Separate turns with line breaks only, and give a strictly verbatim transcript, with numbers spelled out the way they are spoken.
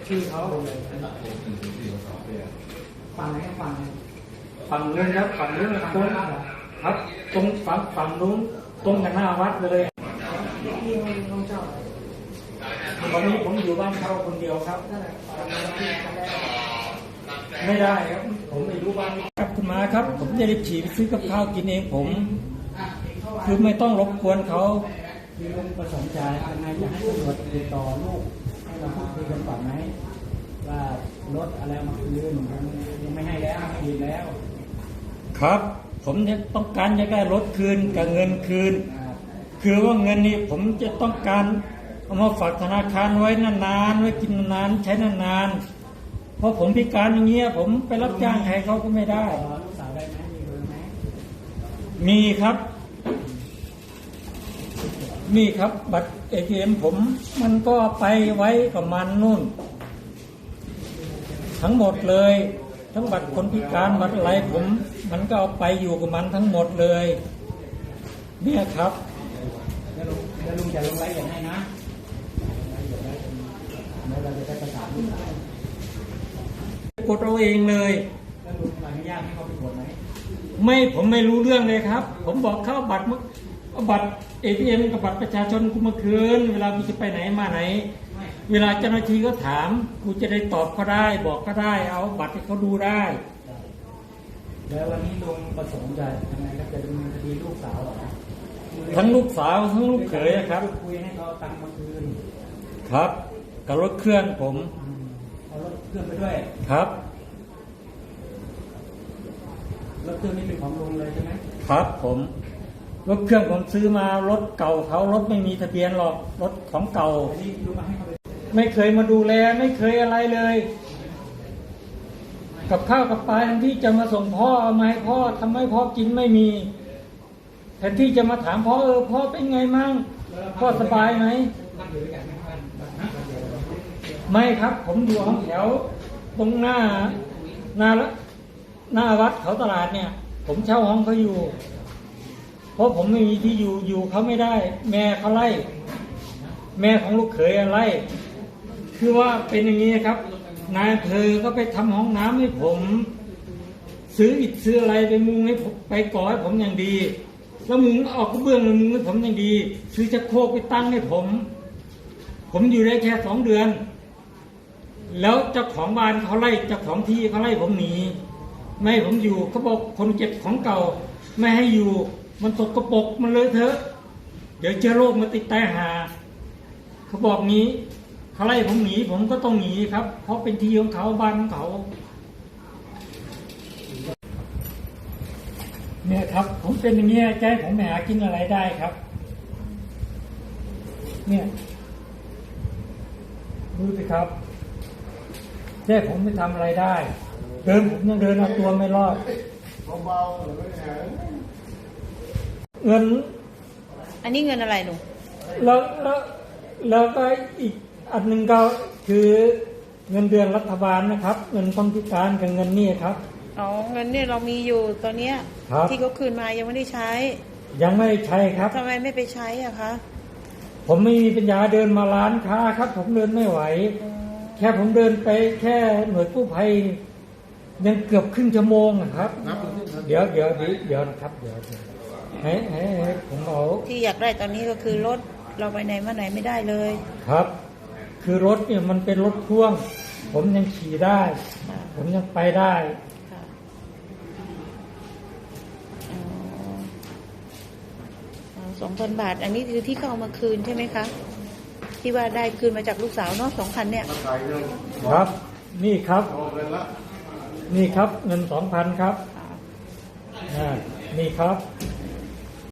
ชื่อเขาฝั่งไหนฝั่งฝั่งนู้นครับฝั่งนู้นตรงครับตรงฝั่งฝั่งนู้นตรงกันหน้าวัดเลยที่ห้องเช่าตอนนี้ผมอยู่บ้านเช่าคนเดียวครับไม่ได้ครับผมไม่รู้บ้านครับคุณมาครับผมจะได้ฉีดซื้อกับข้าวกินเองผมคือไม่ต้องรบกวนเขาคือลุงประสงค์ใจยังไงจะให้ตำรวจติดต่อลูกให้เราพูดคุยกันก่อนไหมว่ารถอะไรมาคืนยังไม่ให้แล้วไม่ดีแล้วครับผมเนี่ยต้องการจะได้รถคืนกับเงินคืนคือว่าเงินนี้ผมจะต้องการเอามาฝากธนาคารไว้นานๆไว้กินนานใช้นานๆเพราะผมพิการอย่างเงี้ยผมไปรับจ้างใครเขาก็ไม่ได้ลูกสาวได้ไหมมีเบอร์ไหมมีครับนี่ครับบัตร เอ ที เอ็ม ผมมันก็ไปไว้กับมันนู่นทั้งหมดเลยทั้งบัตรคนพิการบัตรอะไรผมมันก็เอาไปอยู่กับมันทั้งหมดเลยเนี่ยครับแล้วลุงแล้วลุงจะลงรายละเอียดให้นะแล้วเราจะได้ประสานกดเอาเองเลยแล้วลุงอนุญาตให้เขาไปกดไหมไม่ผมไม่รู้เรื่องเลยครับผมบอกเข้าบัตรบัตร เอ ที เอ็ม กับบัตรประชาชนกูมาคืนเวลากูจะไปไหนมาไหนเวลาเจ้าหน้าที่ก็ถามกูจะได้ตอบเขาได้บอกก็ได้เอาบัตรให้เขาดูได้แล้ววันนี้ลุงประสงค์จะทำไงครับจะดำเนินคดีลูกสาวเหรอทั้งลูกสาวทั้งลูกเขยครับคุยให้เขาตังค์มาคืนครับกับรถเครื่องผมเอารถเครื่องไปด้วยครับรถเครื่องนี้เป็นของลุงเลยใช่ไหมครับผมรถเครื่องผมซื้อมารถเก่าเขารถไม่มีทะเบียนหรอกรถของเก่าไม่เคยมาดูแลไม่เคยอะไรเลยกับข้าวกับปลาแทนที่จะมาส่งพ่อเอามาให้พ่อทำให้พ่อกินไม่มีแทนที่จะมาถามพ่อเออพ่อเป็นไงมั่งพ่อสบายไหมไม่ครับผมอยู่ห้องแถวตรงหน้าหน้าหน้าวัดเขาตลาดเนี่ยผมเช่าห้องเขาอยู่เพราะผมไม่มีที่อยู่อยู่เขาไม่ได้แม่เขาไล่แม่ของลูกเขยไล่คือว่าเป็นอย่างนี้ครับนายอำเภอก็ไปทำห้องน้ำให้ผมซื้ออิฐซื้ออะไรไปมุงให้ผมไปก่อให้ผมอย่างดีแล้วมุงออกกระเบื้องมุงให้ผมอย่างดีซื้อชักโครกไปตั้งให้ผมผมอยู่ได้แค่สองเดือนแล้วเจ้าของบ้านเขาไล่เจ้าของที่เขาไล่ผมหนีไม่ให้ผมอยู่เขาบอกคนเก็บของเก่าไม่ให้อยู่มันตกกระปกมันเลยเถอะเดี๋ยวเชื้อโรคมาติดใต้หาเขาบอกงี้เขาไล่ผมหนีผมก็ต้องหนีครับเพราะเป็นที่ของเขาบ้านของเขาเนี่ยครับผมเป็นอย่างเงี้ยใจผมไม่หากินอะไรได้ครับเนี่ยดูสิครับใจผมไม่ทำอะไรได้เดินผมยังเดินเอาตัวไม่รอดเบาๆหรือไม่หายเงิน
อันนี้เงินอะไรหนู
แล้วแล้วแล้วก็อีกอันหนึ่งก็คือเงินเดือนรัฐบาลนะครับเงินคนพิการกับเงินนี่ครับ
อ๋อเงินเนี่ยเรามีอยู่ตอนเนี้ยที่เขาคืนมายังไม่ได้ใช้
ยังไม่ได้ใช้ครับ
ทำไมไม่ไปใช้อะคะ
ผมไม่มีปัญญาเดินมาร้านค้าครับผมเดินไม่ไหวแค่ผมเดินไปแค่หน่วยกู้ภัยยังเกือบครึ่งชั่วโมงนะครับเดี๋ยวเดี๋ยวเดี๋ยวนะครับเดี๋ยวให้ให้ผมเอา
ที่อยากได้ตอนนี้ก็คือรถเราไปไหนมาไหนไม่ได้เลย
ครับคือรถเนี่ยมันเป็นรถพ่วงผมยังขี่ได้ผมยังไปได้
สองพันบาทอันนี้คือที่เขาเอามาคืนใช่ไหมคะที่ว่าได้คืนมาจากลูกสาวเนาะสองพันเนี่ย
ครับนี่ครับนี่ครับเงินสองพันครับนี่ครับ